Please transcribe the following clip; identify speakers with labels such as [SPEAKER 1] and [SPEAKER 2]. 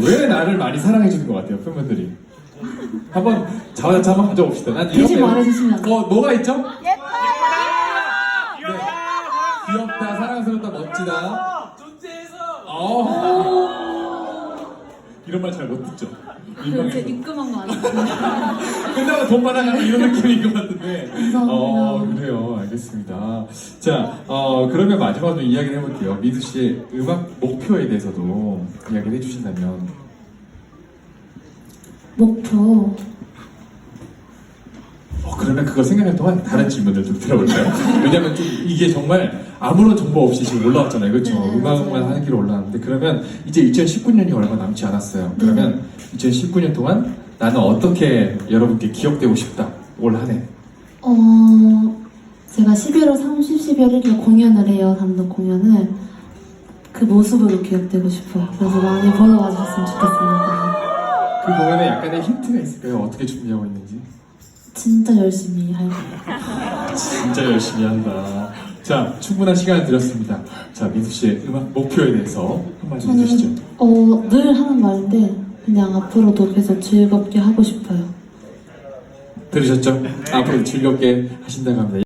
[SPEAKER 1] 왜 나를 많이 사랑해주는 것 같아요, 팬분들이? 한번 자화자찬 한번 가져봅시다. 난 이런
[SPEAKER 2] 대신 말해주시면 안 돼요?
[SPEAKER 1] 뭐가 있죠?
[SPEAKER 3] 예뻐요!
[SPEAKER 1] 네. 귀엽다, 사랑스럽다, 멋지다.
[SPEAKER 3] 존재해서!
[SPEAKER 1] 이런 말 잘 못 듣죠?
[SPEAKER 2] 그렇게 입금한 거 아니에요?
[SPEAKER 1] 끝나고 돈 받아가는 이런 느낌인 것 같은데.
[SPEAKER 2] 감사합니다.
[SPEAKER 1] 그래요. 알겠습니다. 자, 그러면 마지막으로 이야기를 해볼게요. 미두 씨의 음악 목표에 대해서도 이야기를 해주신다면.
[SPEAKER 2] 목표.
[SPEAKER 1] 그러면 그걸 생각할 동안 다른 질문을 좀 들어볼까요? 왜냐면 좀 이게 정말 아무런 정보 없이 지금 올라왔잖아요. 그렇죠?
[SPEAKER 2] 네,
[SPEAKER 1] 음악만
[SPEAKER 2] 맞아요.
[SPEAKER 1] 하는 길로 올라왔는데 그러면 이제 2019년이 얼마 남지 않았어요. 그러면 2019년 동안 나는 어떻게 여러분께 기억되고 싶다. 올 한 해.
[SPEAKER 2] 제가 11월 30, 12월 1일 공연을 해요. 단독 공연을. 그 모습으로 기억되고 싶어요. 그래서 많이 보러 와주셨으면 좋겠습니다.
[SPEAKER 1] 그 공연에 약간의 힌트가 있을까요? 어떻게 준비하고 있는지?
[SPEAKER 2] 진짜 열심히 할 거예요.
[SPEAKER 1] 진짜 열심히 한다. 자, 충분한 시간을 드렸습니다. 자, 민수 씨의 음악 목표에 대해서 한마디 해주시죠.
[SPEAKER 2] 늘 하는 말인데 그냥 앞으로도 계속 즐겁게 하고 싶어요.
[SPEAKER 1] 들으셨죠? 앞으로 즐겁게 하신다고 합니다.